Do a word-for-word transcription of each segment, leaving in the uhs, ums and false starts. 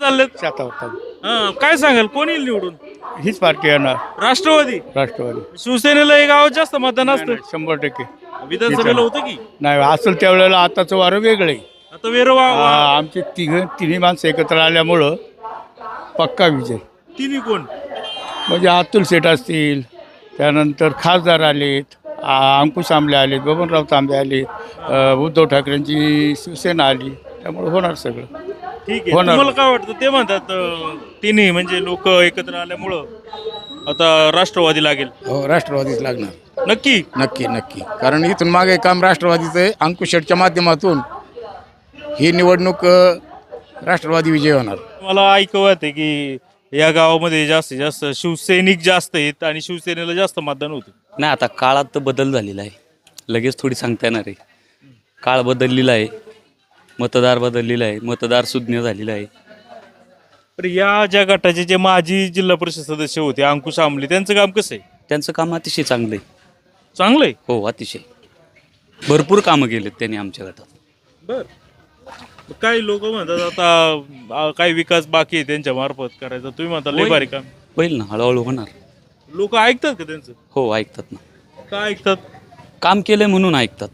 चाललेत शेतावर चालू. हा, काय सांगाल कोण येईल निवडून? हीच पार्टी येणार राष्ट्रवादी राष्ट्रवादी. शिवसेनेला हे गावात जास्त मतदान असतं. नाही, शंभर टक्के विधानसभेला होतं की नाही असेल त्यावेळेला आताचं वारं वेगळं आहे. आता वेरवा आ, आमचे तिघ तिन्ही माणसं एकत्र आल्यामुळं पक्का विजय. तिन्ही कोण? म्हणजे अतुल शेठ असतील, त्यानंतर खासदार आलेत, आ, अंकुश आंबले आलेत, बबनराव तांबे आले, अ, उद्धव ठाकरेंची शिवसेना आली, त्यामुळे होणार सगळं. ठीक आहे. होणार. तुम्हाला काय वाटतं? ते म्हणतात अं, तिन्ही म्हणजे लोक एकत्र आल्यामुळं आता राष्ट्रवादी लागेल. हो राष्ट्रवादीच लागणार. नक्की नक्की नक्की कारण इथून मागे काम राष्ट्रवादीचं आहे. अंकुश शेटच्या माध्यमातून ही निवडणूक अ, राष्ट्रवादी विजय होणार. मला ऐकवत आहे की या गावामध्ये जास्तीत जास्त शिवसैनिक जास्त आहेत आणि शिवसेनेला जास्त मतदान होते. नाही आता काळात तर बदल झालेला आहे, लगेच थोडी सांगता येणार आहे. काळ बदललेला आहे, मतदार बदललेला आहे, मतदार सुज्ञ झालेला आहे. तर या ज्या गटाचे जे माजी जिल्हा परिषद सदस्य होते अंकुश आमले, त्यांचं काम कसं आहे? त्यांचं काम अतिशय चांगलं आहे. चांगलं आहे. हो अतिशय भरपूर कामं केलेत त्यांनी आमच्या गटात. बर. काही लोक म्हणतात आता अं, काही विकास बाकी आहे त्यांच्या मार्फत करायचा. तुम्ही म्हणता लय भारी काम. होईल ना, हळूहळू होणार. लोक ऐकतात का त्यांचं? हो ऐकतात ना. काय ऐकतात? काम केलंय म्हणून ऐकतात,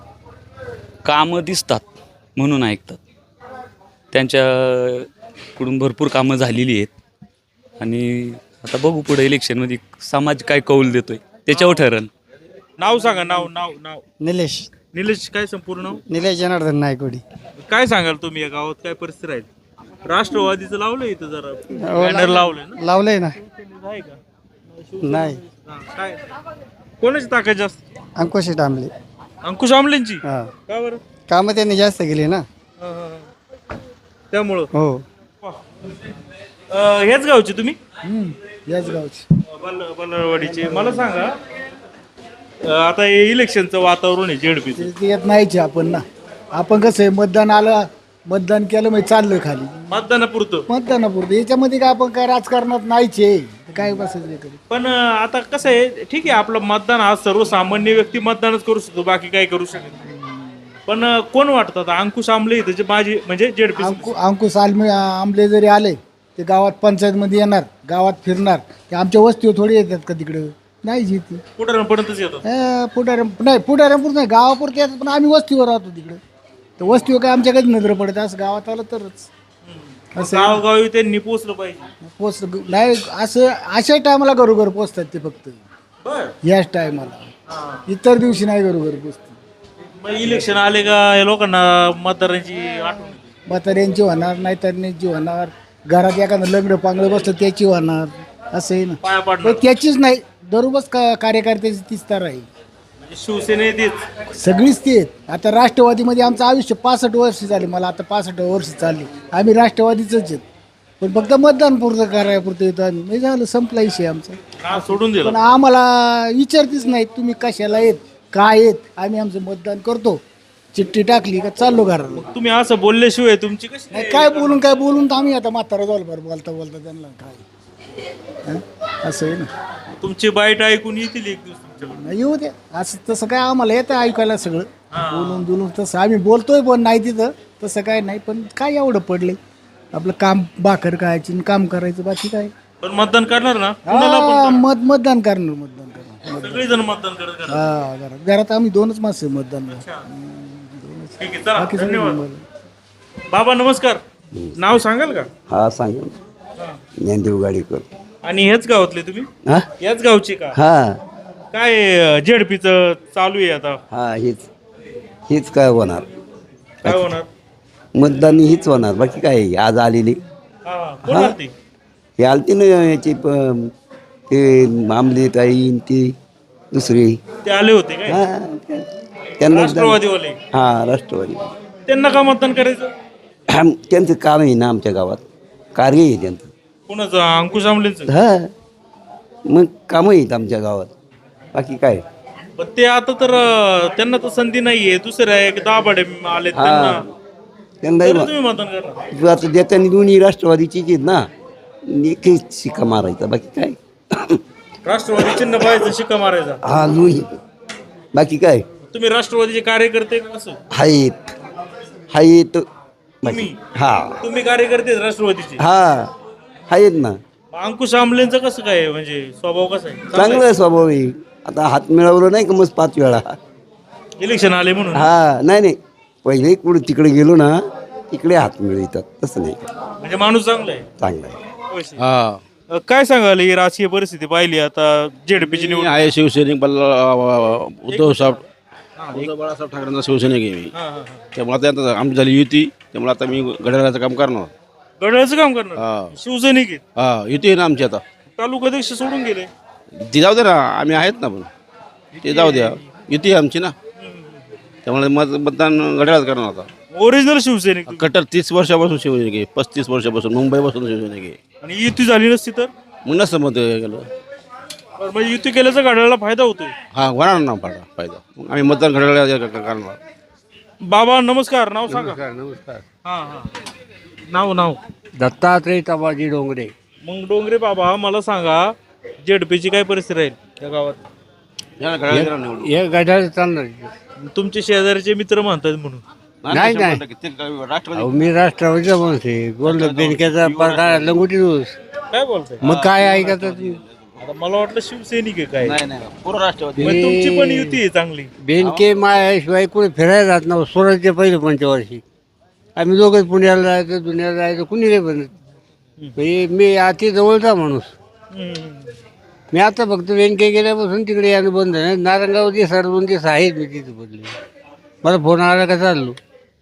कामं दिसतात म्हणून ऐकतात. त्यांच्याकडून भरपूर कामं झालेली आहेत आणि आता बघू पुढे इलेक्शनमध्ये समाज काय कौल देतोय त्याच्यावर ठरेल. नाव सांगा. नाव नाव नाव निलेश निलेश काय संपूर्ण नाव? निलेश जनार्दन नायकोडी. काय सांगाल तुम्ही या गावात काय परिस्थिती राहील? राष्ट्रवादीचं लावलंय इथं जरा बॅनर लावलंय ना? लावलंय ना? आहे का? नाही हा, काय कोणाची ताकद जास्त? अंकुश टांबले. अंकुश आमलेंची. हा का बरं? कामं त्यांनी जास्त केली ना. हा, हा, हा. त्यामुळं हो अं, हेच गावचे तुम्ही? याच गावची. बल बलवाडीचे. मला सांगा अं, आता हे इलेक्शनचं वातावरण आहे झेडपीचं. ते येत नाहीच आपण ना. आपण कसं आहे मतदान आलं, मतदान केलं म्हणजे चाललं खाली मतदानापुरतं. मतदानापुरतं. याच्यामध्ये काय आपण काय राजकारणात नाहीच आहे. काय बसायचं कधी. पण अं, आता कसं आहे, ठीक आहे आपलं मतदान हा सर्वसामान्य व्यक्ती मतदानच करू शकतो, बाकी काही करू शकत नाही. पण अं, कोण वाटतं आता अंकुश आमले त्याचे माझी म्हणजे झेडपी अंकु अंकुश आलमे आंबले जरी आले ते गावात पंचायतमध्ये येणार, गावात फिरणार. ते आमच्या वस्तीवर थोडी येतात का तिकडं? नाही येते. कुठपर्यंतच येतात. पुढाऱ्या नाही पुढाऱ्यापुरतं नाही, गावापुरतं येतात. पण आम्ही वस्तीवर राहतो तिकडं, तर वस्तीवर काय आमच्या कधी नजर पडते. असं गावात आलं तरच असं गावोगावी त्यांनी पोचलं पाहिजे. पोच नाही. असं अशा टायमाला घरोघर पोचतात ते फक्त बर. याच टायमाला. इतर दिवशी नाही घरोघर पोचतात. मग इलेक्शन आले का या लोकांना मतदारांची आठवण येते. म्हाताऱ्यांची होणार, नाही तरुणांची होणार, घरात एखादं लग्न पांगलं बसलं त्याची होणार. असं आहे ना. पाया पण पाडणार त्याचीच नाही, दररोज का कार्यकर्त्याची तीच तर आहे. म्हणजे शिवसेने तेच. सगळीच ते आहेत. आता राष्ट्रवादीमध्ये आमचं आयुष्य पासष्ट वर्ष झाले. मला आता पासष्ट वर्ष चालली. आम्ही राष्ट्रवादीच आहेत. पण फक्त मतदान पुरतं करायपुरतं येतो आम्ही. म्हणजे झालं, संपला विषय आमचा. नाव सोडून पण दिलं. आम्हाला विचारतीच नाही तुम्ही कशाला येत, काय येत. आम्ही आमचं मतदान करतो, चिठ्ठी टाकली का चाललो घराला. तुम्ही असं बोलल्याशिवाय तुमची कशी नाही काय बोलून काय बोलून तर आम्ही आता म्हातारा जाऊ बरं बोलता बोलता त्यांना काय. हं? असं आहे ना. तुमची बाईट ऐकून येतील एक दिवस तुमच्याकडे. नाही येऊ द्या. असं तसं काय आम्हाला येतं ऐकायला सगळं. बोलून बोलून तसं आम्ही बोलतोय पण नाही तिथं तसं काय नाही. पण काय एवढं पडले आपलं काम, भाकर खायची आणि काम करायचं, बाकी काय. पण मतदान करणार ना कुणाला पण हा, करणार. मत मतदान करणार मतदान करणार. सगळेजण मतदान करत करणार. हा घरात घरात आम्ही दोनच माणसं आहे मतदान. ठीक आहे चला बाकी सगळे धन्यवाद. नंबर. बाबा नमस्कार. नाव सांगाल का? हा सांगेन. ज्ञानदेव गाडीकर. आणि हेच गावातले तुम्ही? हा याच गावचे का? हा काय झेडपीचं चालू आहे आता? हा हीच हीच काय होणार, काय होणार? मतदान हीच होणार, बाकी काय आहे? आज आलेली हा कोण आलती? हे आलती ना याची प- ते आमली ताई न ती दुसरी. ते आले होते काय? हा त्यांना राष्ट्रवादीवाले. हा राष्ट्रवादी. त्यांना का मतदान करायचं? त्यांचं काम आहे ना आमच्या गावात, कार्य आहे त्यांचं. कोणाचं? अंकुश आमलेंचं. हा मग कामं आहेत आमच्या गावात, बाकी काय. पण ते आता तर अं, त्यांना तर संधी नाहीये. दुसऱ्या एक दाभाडे आले त्यांना. त्यांना तरी तुम्ही मतदान करणार? आता देताना दोन्ही राष्ट्रवादीचीच आहेत ना, एकच शिका मारायचा, बाकी काय. राष्ट्रवादी चिन्ह पाहायचं, शिक्का मारायचा. हा दोन्ही, बाकी काय. तुम्ही राष्ट्रवादीचे कार्यकर्ते का कसं? आहेत आहेत तुम्ही हा तुम्ही कार्यकर्ते आहेत राष्ट्रवादीचे. हा आहेत ना. मग अंकुश आमलेंचं कसं काय म्हणजे स्वभाव कसा आहे? चांगला चांगलं आहे स्वभाव आहे. आता हात मिळवलं नाही का मग पाच वेळा. आहे? इलेक्शन आले म्हणून. हा नाही नाही पहिले कुठे तिकडे गेलो ना तिकडे हात मिळतात तसं नाही का. म्हणजे माणूस चांगला आहे. चांगलं आहे. होय सर. अ, काय सांगाल ही राजकीय परिस्थिती पाहिली आता जेडपीची मी निवड. आहे शिवसैनिक बल्ला उद्धव साहेब उद्धव बाळासाहेब ठाकरेंचा शिवसैनिक आहे मी. हा, हा, हा. त्यामुळे आता आता आमची झाली युती त्यामुळे आता मी घड्याळाचं काम करणार. घड्याळाचं काम करणार हा शिवसैनिक आहेत. हा युती आहे ना आमची आता. तालुकाध्यक्ष सोडून गेले. ती जाऊ दे ना आम्ही आहेत ना पण ते जाऊ द्या युती आहे आमची ना त्यामुळे मत मतदान घड्याळात करणार आता. ओरिजिनल शिवसैनिक तुम्ही. कट्टर तीस वर्षापासून शिवसैनिक आहे पस्तीस वर्षापासून मुंबईपासून शिवसैनिक आहे. आणि युती झाली नसती तर मग नसतं मत गेलं बरं, म्हणजे युती केल्याचा घड्याळाला फायदा होतोय. हा होणार ना फायदा फायदा मग आम्ही मतदान घड्याळात करणार. बाबा नमस्कार. नाव सांगा. नमस्कार. हा हा नाव नाव दत्तात्रय तबाजी डोंगरे. मग डोंगरे बाबा मला सांगा जेडपीची काय परिस्थिती राहील त्या गावात? याला घड्याळात निवडून. हे गटार चालणार. तुमचे शेजारचे मित्र म्हणतात म्हणून. नाही, नाही. ते राष्ट्रवादी अहो मी राष्ट्रवादीचा माणूस आहे. बोललो बेनक्याचा प्रकार लंगोटी रोज. काय बोलताय? मग काय ऐकत होती? आता मला वाटलं शिवसैनिक आहे काय. नाही नाही पूर्ण राष्ट्रवादी. मग तुमची पण युती आहे चांगली. बेनके मायाशिवाय कुठे फिरायला जात नव्हतं. स्वराज्य पहिले पंचवर्षी आम्ही दोघंच पुण्याला जायचं दुनियाला जायचं कुणी नाही बनत. म्हणजे मी अति जवळचा माणूस. हम्म. मी आता फक्त बेनके गेल्यापासून तिकडे यानं बंद नाही. नारंगावरती साडे दोन दिवस आहेत मी तिथे बदले. मला फोन आला का चाललो.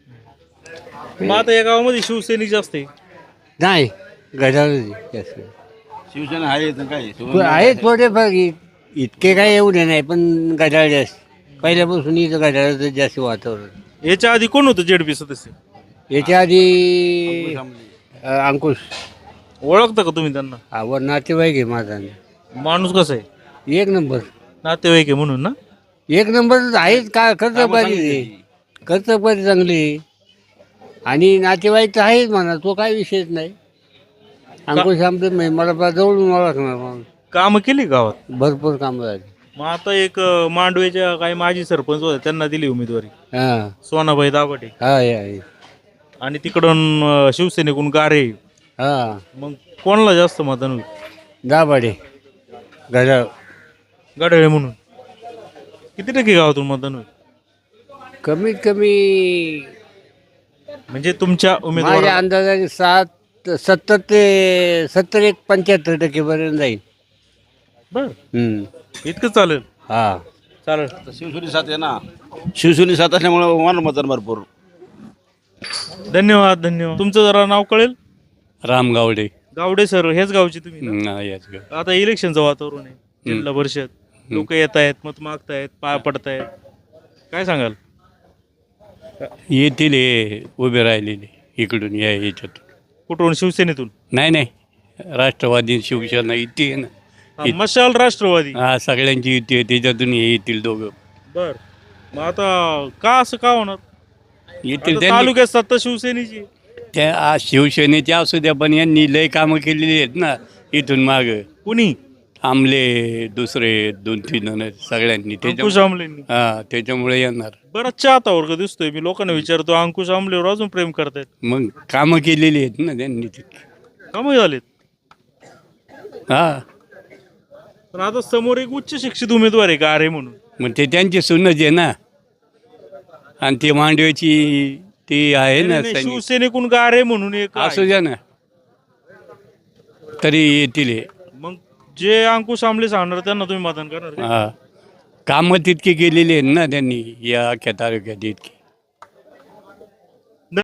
मग आता या गावामध्ये शिवसैनिक जास्त आहे. नाही गजाळ जास्त शिवसेना आहे तर काय आहेत थोडेफार इ- इतके काय एवढे नाही पण गजाळ जास्त. पहिल्यापासून इथं गजाळाचं जास्त वातावरण. याच्या आधी कोण होतं जेडपी सदस्य? याच्या आधी अ, अंकुश ओळखता का तुम्ही त्यांना? आवड नातेवाईक आहे माझा. माणूस कसा आहे? एक नंबर नातेवाईक आहे म्हणून ना. एक नंबर आहेच का. कर्तपाती कर्तपाती चांगली आणि नातेवाईक तर आहेच म्हणा. तो काय विषयच नाही. अंकुश आमचं म्हणजे मला बा जवळून ओळखणार माणूस. कामं केली गावात भरपूर कामं झाली. मग आता एक अं, मांडवेच्या काही माजी सरपंच होते त्यांना दिली उमेदवारी. हां सोनाबाई दाभाडे. हा आहे आणि तिकडून अं, शिवसेनेकडून गारे. हां मग कोणाला जास्त मतदान होईल? दाभाडे गजाळ. गाडळे म्हणून. किती टक्के गावातून मतदान होईल? कमीत कमी म्हणजे तुमच्या माझ्या उमेदवार. अंदाजाने सात सत्तर ते सत्तर एक पंच्याहत्तर टक्केपर्यंत जाईल. बर हम्म. इतकं चालेल. हा चालेल. शिवसेने साथ आहे ना शिवसेने साथ असल्यामुळे होणार मतदान भरपूर. धन्यवाद धन्यवाद. तुमचं जरा नाव कळेल? राम गावडे. गावडे सर हेच गावचे तुम्ही ना? ना, याच गाव. आता इलेक्शनचं वातावरण आहे. जिल्हा परिषद लोक येत आहेत मत मागतायत पाय पडतायत. काय सांगाल? येतील हे उभे राहिलेले इकडून या याच्यातून. कुठून? शिवसेनेतून? नाही नाही राष्ट्रवादी शिवसेना युती आहे ना. हा, मशाल राष्ट्रवादी. हा सगळ्यांची युती आहे त्याच्यातून हे येतील दोघं. बर. मग आता का असं का होणार? येतील आता त्यांनी. तालुक्यात सत्ता शिवसेनेची. त्या आ, शिवसेनेच्या असू द्या पण यांनी लय कामं केलेली आहेत ना इथून माग. कुणी? आमले दुसरे दोन तीन जण आहेत सगळ्यांनी अंकुश त्याच्या आमलेंनी. हा त्याच्यामुळे येणार. बराच चाहता वर्ग दिसतोय. मी लोकांना विचारतो अंकुश आमलेवर अजून प्रेम करतायत. मग कामं केलेली आहेत ना त्यांनी तिथे. कमी झालेत. हा पण आता समोर एक उच्च शिक्षित उमेदवार आहे गारे म्हणून. मग ते त्यांची सुनच आहे ना. आणि ती मांडव्याची ती आहे ना नाही, नाही, सैनिक. शिवसेनेकडून गारे म्हणून एक असू आहे. द्या ना तरी येतील हे. मग जे अंकुश आमले सांगणार त्यांना तुम्ही मतदान करणार का? हा कामं तितकी केलेली आहेत ना त्यांनी या अख्ख्या तालुक्यात इतकी.